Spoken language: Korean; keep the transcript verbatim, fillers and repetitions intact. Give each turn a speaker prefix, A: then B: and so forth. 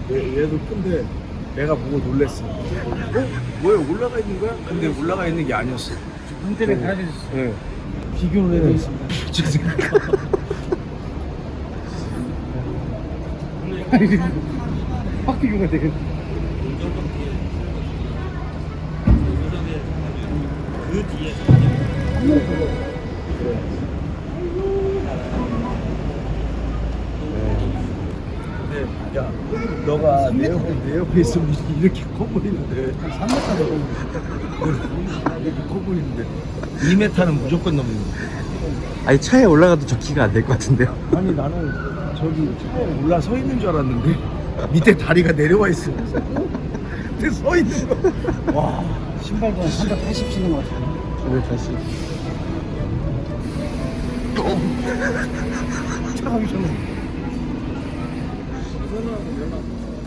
A: 얘, 얘도 큰데 내가 보고 놀랬어. 어? 뭐야 올라가 있는 거야? 근데 올라가 있는 게 아니었어.
B: 눈 때문에 달아주셨어.
A: 네.
B: 비교를 해드리겠습니다. 아니, 확 비교가 되겠네.
C: 그 뒤에
A: 근데 야 너가 내 옆에 내 옆에 있으면 이렇게 커 보이는데
B: 삼 미터 되고.
A: 이렇게 커 보이는데 이 미터는 무조건 넘는 거야.
D: 아니 차에 올라가도 저 키가 안 될 것 같은데요.
A: 아니 나는 저기 차에 올라 서 있는 줄 알았는데 밑에 다리가 내려와 있어. 근데 서 있는 거. 와.
B: 신발도 한 삼백팔십 신는 것 같아요.
D: 왜 다시?
A: 차가기 전에.
B: 이거는 연락.